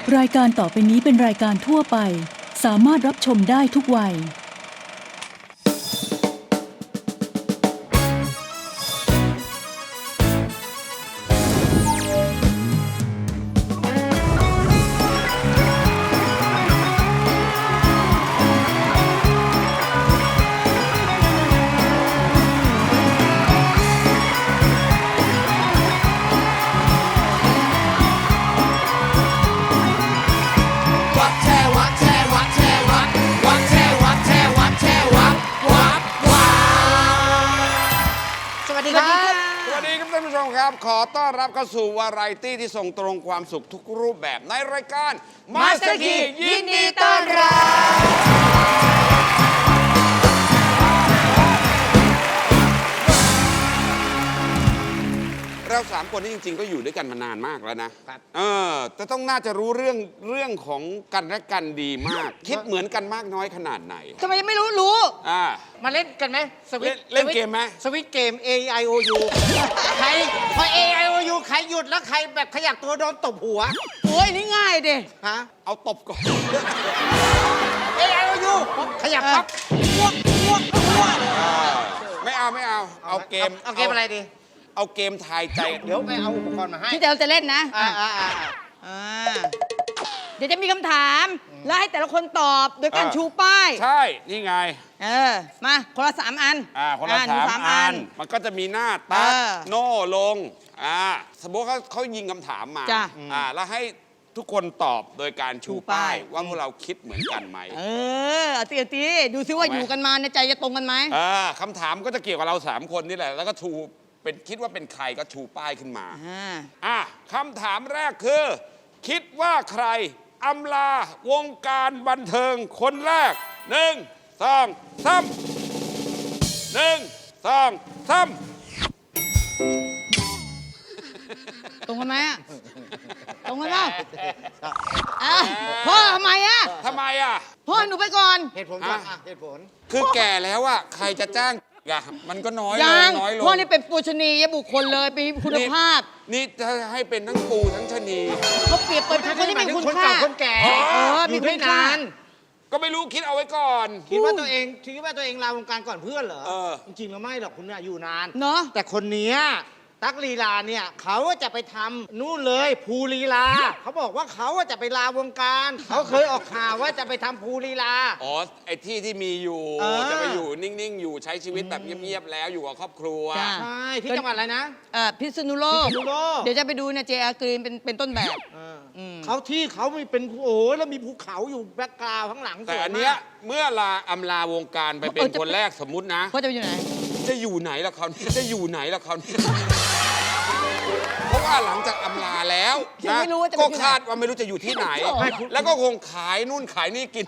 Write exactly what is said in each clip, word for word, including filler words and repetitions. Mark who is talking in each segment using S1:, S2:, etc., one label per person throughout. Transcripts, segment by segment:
S1: รายการต่อไปนี้เป็นรายการทั่วไปสามารถรับชมได้ทุกวัย
S2: ขอต้อนรับเข้าสู่วาไรตี้ที่ส่งตรงความสุขทุกรูปแบบในรายการมาสเตอร์คียินดีต้อนรับเราสามคนนี่จริงๆก็อยู่ด้วยกันมานานมากแล้วนะเออจะต้องน่าจะรู้เรื่องเรื่องของกันและกันดีมาก คิดเหมือนกันมากน้อยขนาดไหน
S3: ทำไมยังไม่รู้รู้
S2: อ่า
S4: มาเล่นกันไหมสวิต
S2: เล่นเกมไหม
S4: สวิตเกม A I O U ใครพอ A I O U ใครหยุดแล้วใครแบบขยับตัวโดนตบหัว
S3: โอ้ยนี่ง่ายดิ
S4: ฮะ
S2: เอาตบก่อน
S4: A I O U ขยับครับอ้วกอ้วกอ้วก
S2: ไม่เอาไม่เอาเอาเกม
S4: เอาเกมอะไรดี
S2: เอาเกมทายใจ
S4: เดี๋ยวไปเอาอุปกรณ์มาให้
S3: ที่เดี๋ยวจะเล่นนะ
S4: อ่าอ่าอ่า
S3: อ่าเดี๋ยวจะมีคำถามแล้วให้แต่ละคนตอบโดยการชูป้าย
S2: ใช่นี่ไง
S3: เออมาคนละสามอัน
S2: อ่าคนละสามอันมันก็จะมีหน้าตัดโน่ลงอ่าสมมติเขาเขายิงคำถามมาอ่าแล้วให้ทุกคนตอบโดยการชูป้ายว่าพวกเราคิดเหมือนกันไหม
S3: เออเอาตีตีดูซิว่าอยู่กันมาในใจจะตรงกันไหม
S2: เออคำถามก็จะเกี่ยวกับเราสามคนนี่แหละแล้วก็ชูเป็นคิดว่าเป็นใครก็ชูป้ายขึ้นมาอ่าคำถามแรกคือคิดว่าใครอำลาวงการบันเทิงคนแรกหนึ่งสองสามหนึ่งสองสาม
S3: ตรงกันไหมอ่ะตรงกันเปล่าอ่ะพ่อทำไมอ่ะ
S2: ทำไมอ่ะ
S3: พ่อหนูไปก่อน
S4: เหตุผลก่อนเหตุผล
S2: คือแก่แล้วอ่ะใครจะจ้างอะมันก็น้อยลงน้อยลง
S3: พ่อนี่เป็นปูชนียบุคคลเลยมีคุณภาพ
S2: นี่จะให้เป็นทั้งปูทั้งชนี
S3: เขาเปรียบเป็นคนที่มีคุณค่า
S4: คนแก่
S3: เออมีคุณค่า
S2: ก็ไม่รู้คิดเอาไว้ก่อน
S4: คิดว่าตัวเองคิดว่าตัวเองลาวงการก่อนเพื่อนเหรอจริงๆแล้วไม่หรอกคุณเนี่ยอยู่นาน
S3: เนาะ
S4: แต่คนนี้ตั๊กลีลาเนี่ยเขาจะไปทำนู่นเลยภูลีลาเขาบอกว่าเขาจะไปลาวงการเขาเคยออกข่าวว่าจะไปทำภูลีลา
S2: อ๋อไอ้ที่ที่มีอยู่จะไปอยู่นิ่งๆอยู่ใช้ชีวิตแบบเงียบๆแล้วอยู่กับครอบครัว
S4: ใช่ที่จังหวัดอะไรนะ
S3: อ่าพิษณุโลกเดี๋ยวจะไปดูเนี่ยเจอากรีนเป็นเป็นต้นแบบ
S4: เขาที่เขามีเป็นโอ้แล้วมีภูเขาอยู่แบ็คกราวด์ข้างหลัง
S2: แต่อันเนี้ยเมื่อลาอำลาวงการไปเป็นคนแรกสมมุตินะ
S3: เขาจะอยู่ไหน
S2: จะอยู่ไหนล่ะเขาจะอยู่ไหนล่ะเขาเพราะว่าหลังจากอำลาแล้วนะก็คาดว่าไม่รู้จะอยู่ที่ไหนแล้วก็คงขายนู่นขายนี่กิน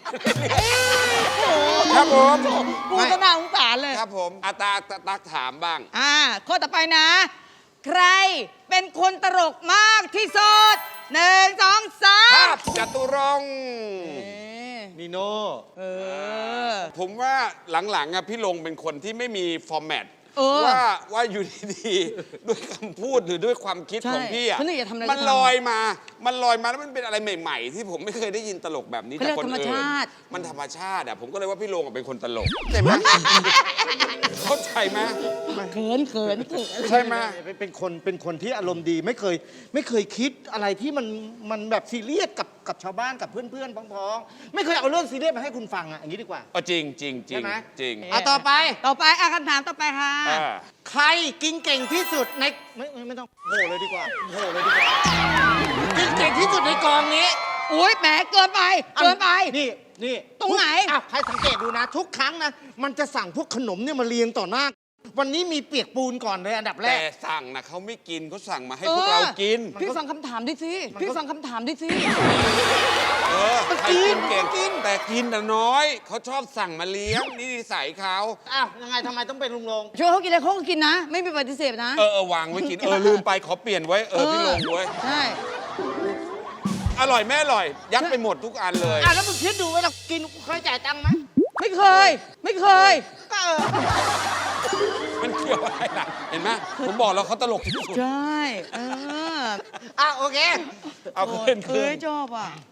S2: ครับผม
S3: กูก็น่าสงสารเลย
S2: ครับผมอาตาตักถามบ้าง
S3: อ่าข้อต่อไปนะ ใครเป็นคนตลกมากที่สุดหนึ่งสองสาม
S2: ภาพจตุรงค์
S4: นีโน่
S3: เออ
S2: ผมว่าหลังๆอะพี่ลงเป็นคนที่ไม่มีฟอร์แมตว่าว่าอยู่ดีๆด้วยคำพูดหรือด้วยความคิดของพี่อ่ะมันลอยมา มันลอยมาแล้วมันเป็นอะไรใหม่ๆที่ผมไม่เคยได้ยินตลกแบบนี้จากคนอื่นมันธรรมชาติอ่ะผมก็เลยว่าพี่ลงเป็นคนตลกใช่ไหมเข้าใจไหม
S3: เขินเขิน
S2: ใช่ไหม
S4: เป็นคนเป็นคนที่อารมณ์ดีไม่เคยไม่เคยคิดอะไรที่มันมันแบบซีเรียสกับกับชาวบ้านกับเพื่อนๆพ้องๆไม่เคยเอาเรื่องซีเรียสมาให้คุณฟังอ่ะอย่างนี้ดีกว่า
S2: อ๋อจริงจริงจริงจริง
S4: อ่ะต่อไป
S3: ต่อไปอ่ะคำถามต่อไปค่ะ
S4: ใครกินเก่งที่สุดในไม่ไม่ต้องโหเลยดีกว่าโหเลยดีกว่ากินเก่งที่สุดในกองนี้
S3: อุ้ยแหมเกินไปเกินไป
S4: นี่นี่
S3: ตรงไหน
S4: อ่ะใครสังเกตดูนะทุกครั้งนะมันจะสั่งพวกขนมเนี่ยมาเรียงต่อหน้าวันนี้มีเปียกปูนก่อนเลยอันดับแรก
S2: แต่สั่งนะเขาไม่กินเขาสั่งมาให้พวกเรากิน
S3: พี่ฟังคำถามดิสิพี่ฟังคำถามดิสิ
S2: เออใครกินเก่งกินแต่กินแต่น้อยเขาชอบสั่งมาเลี้ยงนี่นิสัยเขา
S4: อ้าวยังไงทำไมต้องเป็นลุงลง
S3: ช่วยเขากินอะไรเขาก็กินนะไม่มีปฏิเสธนะ
S2: เออเออวางไว้กินเออลืมไปขอเปลี่ยนไว้เออพี่ลงไว้
S3: ใช่
S2: อร่อยแม่อร่อยยัดไปหมดทุกอันเลย
S4: อ่ะแล้วมึงคิดดูเวลากินเคยจ่ายตังค์ไหม
S3: ไม่เคยไม่เคย
S4: ก็เออ
S2: มันเกี่ยวอะไรล่ะเห็นไหมผมบอกแล้วเขาตลกที่สุด
S3: ใช่เออ
S4: อ่ะโอเค
S2: เอาคืนคืน
S3: ชอบอ่ะ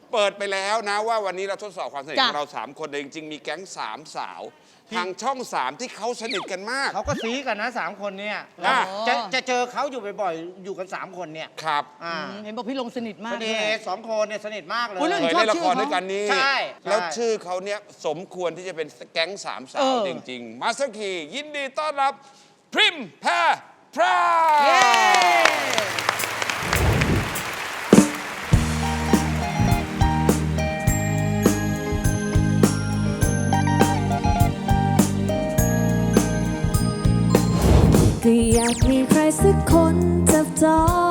S2: เปิดไปแล้วนะว่าวันนี้เราทดสอบความสนิท
S3: จ้ะ
S2: ของเราสามคนแต่จริงๆมีแก๊งสามสาวทางช่องสามที่เขาสนิทกันมาก
S4: เขาก็ซีกันนะสามคนเนี่ย
S2: อ่ะ
S4: จะจะเจอเขาอยู่บ่อยๆ อยู่กันสามคนเนี่ย
S2: ครับ
S4: อ่า
S3: อืมเห็นบอกพี่ลงสนิทมา
S4: ส
S3: ก
S4: นิ
S3: ด้วย
S4: ทสองคนเนี่ยสนิทมากเลย
S3: อุ๊ยเรื่อง
S2: เคย
S3: ชอบ
S2: เล่นละ
S3: ชื่
S2: ค
S3: อ
S2: ร
S3: เขา
S2: ด้วยกันนี่
S4: ใช่
S2: แล้ว
S4: ใช่
S2: ชื่อเขาเนี่ยสมควรที่จะเป็นแก๊งสามสา
S3: เอ
S2: ว
S3: อ
S2: จริงๆมาสเตอร์คียินดีต้อนรับพริมแพรพราย
S3: เย้
S5: ก็อยากมีใครสักคนจับจอง